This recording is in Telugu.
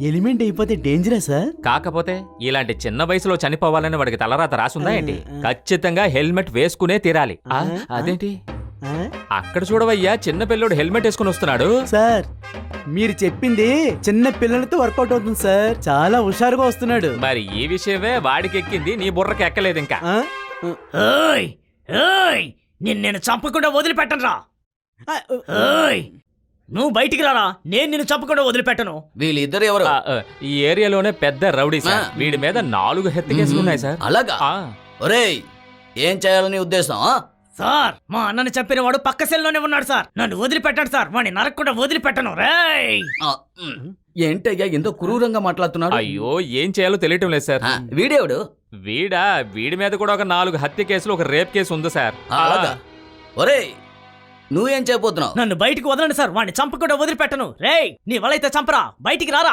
ఎలిమెంట్ అయిపోతే డేంజరా సార్? కాకపోతే ఇలాంటి చిన్న వయసులో చనిపోవాలని వాడికి తలరాత రాసుందా ఏంటి? ఖచ్చితంగా హెల్మెట్ వేసుకునే తీరాలి. అదేంటి అక్కడ చూడవయ్యా, చిన్న పిల్లోడు హెల్మెట్ వేసుకుని వస్తున్నాడు. సార్ మీరు చెప్పింది చిన్న పిల్లలతో వర్కౌట్ అవుతుంది సార్. చాలా హుషారుగా వస్తున్నాడు. మరి ఈ విషయమే వాడికి ఎక్కింది, నీ బుర్రకి ఎక్కలేదు ఇంకా. నేను చంపకుండా వదిలిపెట్టను రా. నువ్వు బయటికి రారా, నేను నిన్ను చంపకుండా వదిలిపెట్టను. వీళ్ళిద్దరు ఎవరు? ఈ ఏరియాలోనే పెద్ద రౌడీ సార్. వీడి మీద 4 హత్య కేసులు ఉన్నాయి సార్. అలాగా? ఒరేయ్, ఏం చేయాలని ఉద్దేశం? సార్, మా అన్నని చంపిన వాడు పక్క సెల్లోనే ఉన్నాడు సార్. నన్ను వదిలిపెట్టండి సార్, వాడిని నరకకుండా వదిలిపెట్టను. రేయ్, ఏంటయ్యా ఎంతో క్రూరంగా మాట్లాడుతున్నాడు? అయ్యో, ఏం చేయాలో తెలియటం లేదు సార్. వీడేవుడు? వీడి మీద కూడా ఒక 4 హత్య కేసులు, ఒక రేప్ కేసు ఉంది సార్. అలాగా? ఒరేయ్, నువ్వేం చేయబోతున్నావు? నన్ను బయటికి వదలండి సార్, వాడిని చంపకుండా వదిలిపెట్టను. రేయ్, నీ వలైతే చంపరా, బయటికి రారా.